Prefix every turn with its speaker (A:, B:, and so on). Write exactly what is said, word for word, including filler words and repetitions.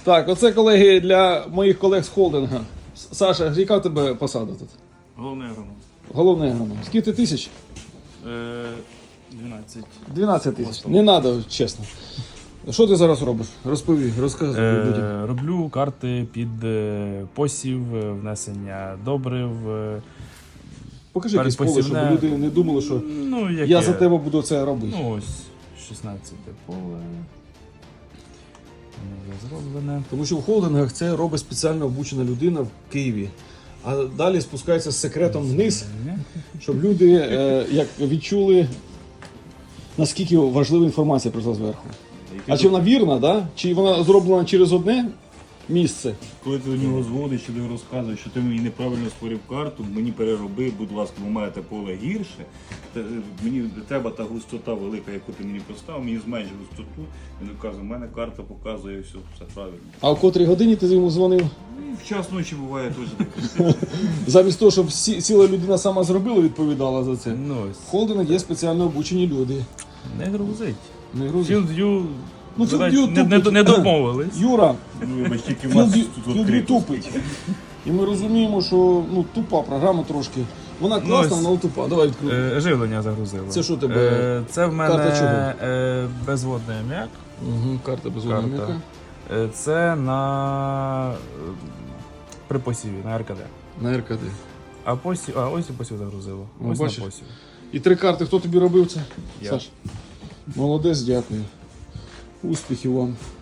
A: Так, оце, колеги, для моїх колег з холдинга. Саша, яка в тебе посада тут?
B: Головний агроном.
A: Головний агроном. Скільки тисяч?
B: Е, дванадцять.
A: дванадцять тисяч. Не треба, чесно. Що ти зараз робиш? Розповій, розказуй людям.
B: Е, роблю карти під е, посів, е, внесення добрив. е,
A: Покажи якесь поле, щоб
B: передпосівне.
A: люди не думали, що
B: Ну, яке?
A: я за тебе буду це робити.
B: Ну, ось шістнадцяте поле. Воно вже зроблене.
A: Тому що в холдингах це робить спеціально обучена людина в Києві. А далі спускається з секретом вниз, щоб люди е, як відчули, наскільки важлива інформація прийшла зверху. А чи вона вірна, да? Чи вона зроблена через одне місце?
C: Коли ти до нього зводиш, що ти розказуєш, що ти мені неправильно створив карту, мені перероби, будь ласка, ви маєте поле гірше, та, мені треба та густота велика, яку ти мені поставив, мені зменш густоту, він каже, у мене карта показує все, все правильно.
A: А в котрій годині ти йому дзвонив?
C: Ну, в час ночі буває теж таке.
A: Замість того, щоб всі, ціла людина сама зробила, відповідала за це.
B: Ну,
A: В
B: ось.
A: холдингах є спеціально обучені люди.
B: Не грузить.
A: Не грузить.
B: Філд'ю
A: Ну,
B: не,
A: Field View
B: не,
A: тупить.
B: не домовились.
A: Юра,
C: Ну, вибач, тільки в нас
A: Філді
C: тут
A: Філді
C: відкрито.
A: тупить. І ми розуміємо, що ну, тупа програма трошки. Вона класна,
B: ось.
A: але тупа. Давай відкриємо.
B: Е, живлення загрузило.
A: Це що тебе?
B: Е, це в мене
A: Карта чого?
B: е, безводний аміак.
A: Угу, карта без
B: Карта.
A: вогнемика.
B: Е, це на е, при посіві, на ар ка де.
A: На ер ка де.
B: А посів, а ось і посів загрузило.
A: Ну,
B: Ось
A: бачиш?
B: на посів.
A: І три карти. Хто тобі робив це?
B: Я.
A: Саш. Молодець, дякую. Успіхів вам.